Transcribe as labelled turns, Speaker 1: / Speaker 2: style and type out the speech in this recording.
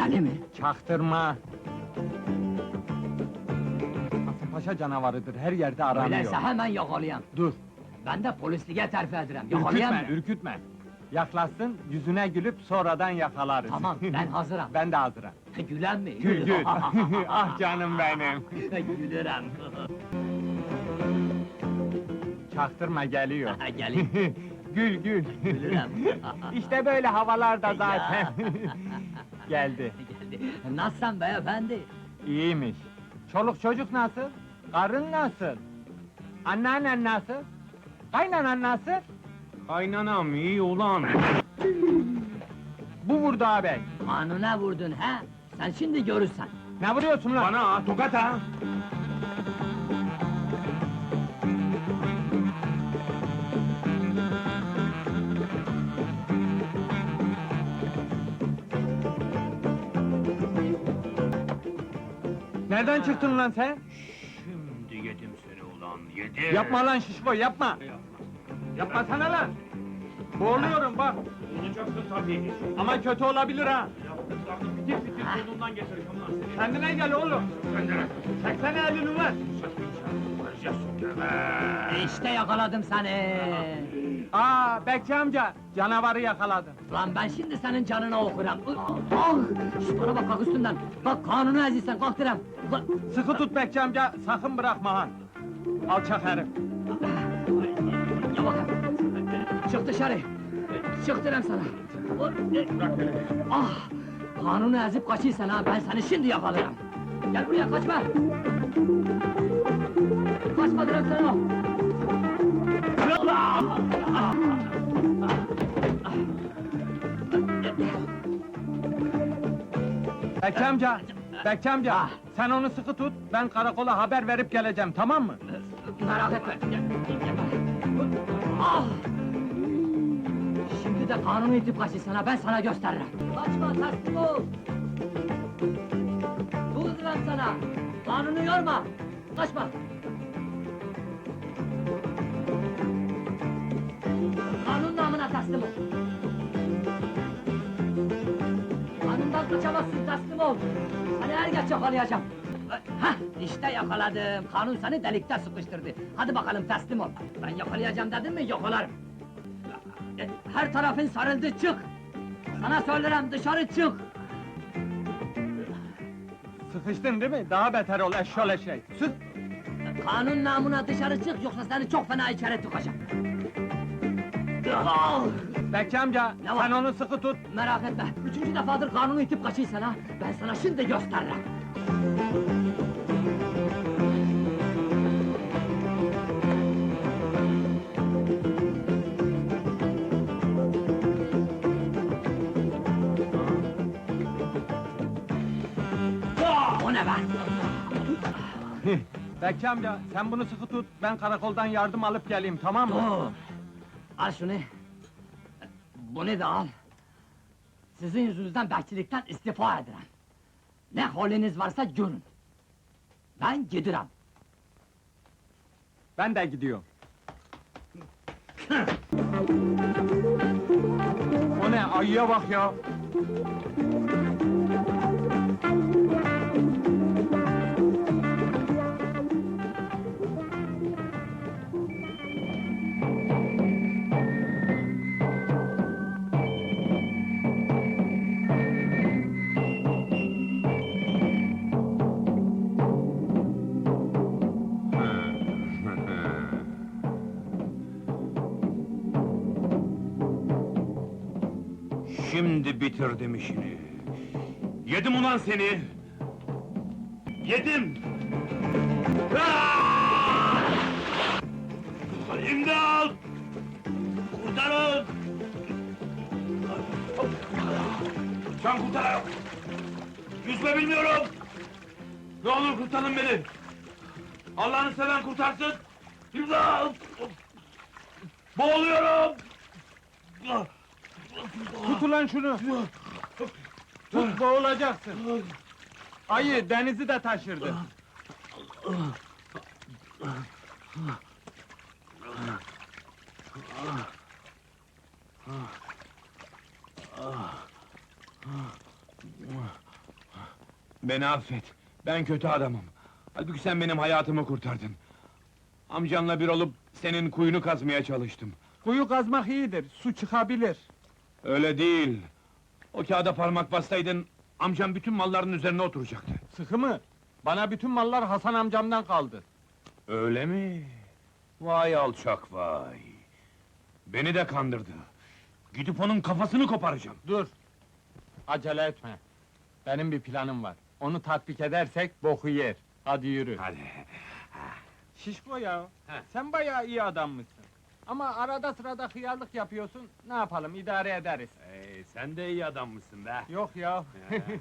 Speaker 1: Beni mi?
Speaker 2: Çaktırma! Kasımpaşa canavarıdır, her yerde aranıyor.
Speaker 1: Öyleyse hemen yakalayayım.
Speaker 2: Dur,
Speaker 1: Ben de polisliğe terfi ederim. Yakalayayım
Speaker 2: ürkütme,
Speaker 1: mı?
Speaker 2: ürkütme! Yaklaşsın, yüzüne gülüp sonradan yakalarız.
Speaker 1: Tamam, ben hazırım.
Speaker 2: Ben de hazırım.
Speaker 1: Gülen mi?
Speaker 2: Gül gül! Ah canım benim!
Speaker 1: Gülürüm.
Speaker 2: Çaktırma, geliyor.
Speaker 1: Gelin.
Speaker 2: Gül gül!
Speaker 1: Gülürüm.
Speaker 2: İşte böyle havalarda zaten. Geldi.
Speaker 1: Geldi. Nasılsın beyefendi?
Speaker 2: İyiymiş. Çoluk çocuk nasıl? Karın nasıl? Anneannen nasıl? Kaynanan nasıl?
Speaker 3: Kaynanam iyi ulan.
Speaker 2: Bu vurdu ağabey.
Speaker 1: Kanuna vurdun ha? Sen şimdi görürsen.
Speaker 2: Ne vuruyorsun lan?
Speaker 3: Bana ha, tokat ha.
Speaker 2: Nereden çıktın lan sen?
Speaker 3: Şimdi yedim seni ulan, yedim.
Speaker 2: Yapma lan şişko, yapma! Yapmasana lan! Boğuluyorum bak!
Speaker 3: Olacaksın tabii.
Speaker 2: Ama kötü olabilir ha!
Speaker 3: Yaptıklarını fitil fitil burnundan getireceğim lan seni.
Speaker 2: Kendine gel oğlum!
Speaker 3: Kendine.
Speaker 2: Çeksene elini lan!
Speaker 3: Varacaksın deme.
Speaker 1: İşte yakaladım seni.
Speaker 2: Aa, Bekçi amca, canavarı yakaladım.
Speaker 1: Lan ben şimdi senin canına okuram. Ah! Şş, bana bak üstünden. Bak kanunu ezilsen kalk direm. Ulan,
Speaker 2: Sıkı tut Bekçi amca, sakın bırakma han! Alçak herif!
Speaker 1: ya bakın. Çık dışarı. Çık direm sana. Ah! Kanunu ezip kaçıysan ha, ben seni şimdi yakalarım. Gel buraya, kaçma! Kaçma direm sana!
Speaker 2: Bekçi amca, Bekçi amca,
Speaker 1: Ah.
Speaker 2: sen onu sıkı tut, ben karakola haber verip geleceğim, tamam mı?
Speaker 1: Merak etme. Ah! Şimdi de kanunu itip kaçıysan ha, ben sana gösteririm. Kaçma, teslim ol! Dur lan sana! Kanunu yorma! Kaçma! Kanun namına teslim ol! Kanundan kaçamazsın, teslim ol! Seni er geç yakalayacağım! Hah, işte yakaladım! Kanun seni delikte sıkıştırdı! Hadi bakalım teslim ol! Ben yakalayacağım dedim mi, yakalarım! Her tarafın sarıldı, çık! Sana söylerim, dışarı çık!
Speaker 2: Sıkıştın değil mi? Daha beter ol, eşşol eşek! Sık!
Speaker 1: Kanun namına dışarı çık, yoksa seni çok fena içeri tıkacağım! Ah!
Speaker 2: Bekçi amca,
Speaker 1: Ne var?
Speaker 2: sen onu sıkı tut!
Speaker 1: Merak etme, üçüncü defadır kanunu itip kaçıysan ha, ben sana şimdi gösteririm! O ne be?
Speaker 2: Bekçi amca, sen bunu sıkı tut, ben karakoldan yardım alıp geleyim, tamam mı?
Speaker 1: Dur! Al şunu! Bunu da al! Sizin yüzünüzden bekçilikten istifa ederim! Ne haliniz varsa görün! Ben gidiyorum!
Speaker 2: Ben de gidiyorum. O ne, ayıya bak ya!
Speaker 3: Şimdi bitirdim işini. Yedim ulan seni! Yedim! Ah! İmdat! Kurtarın! Sen kurtar! Yüzme bilmiyorum! Ne olur kurtarın beni! Allah'ını seven kurtarsın! İmdat! Boğuluyorum!
Speaker 2: Tut ulan şunu! Tut, boğulacaksın! Ayı, denizi de taşırdı!
Speaker 3: Beni affet, ben kötü adamım. Halbuki sen benim hayatımı kurtardın. Amcanla bir olup senin kuyunu kazmaya çalıştım.
Speaker 2: Kuyu kazmak iyidir, su çıkabilir.
Speaker 3: Öyle değil. O kağıda parmak bassaydın, amcam bütün malların üzerine oturacaktı.
Speaker 2: Sıkı mı? Bana bütün mallar Hasan amcamdan kaldı.
Speaker 3: Öyle mi? Vay alçak vay! Beni de kandırdı. Gidip onun kafasını koparacağım.
Speaker 2: Dur! Acele etme. Benim bir planım var. Onu tatbik edersek boku yer. Hadi yürü.
Speaker 3: Hadi.
Speaker 2: Şişko ya,
Speaker 3: He.
Speaker 2: sen bayağı iyi adammışsın. Ama arada sırada hıyarlık yapıyorsun, ne yapalım, idare ederiz.
Speaker 3: Sen de iyi adammışsın be.
Speaker 2: Yok ya.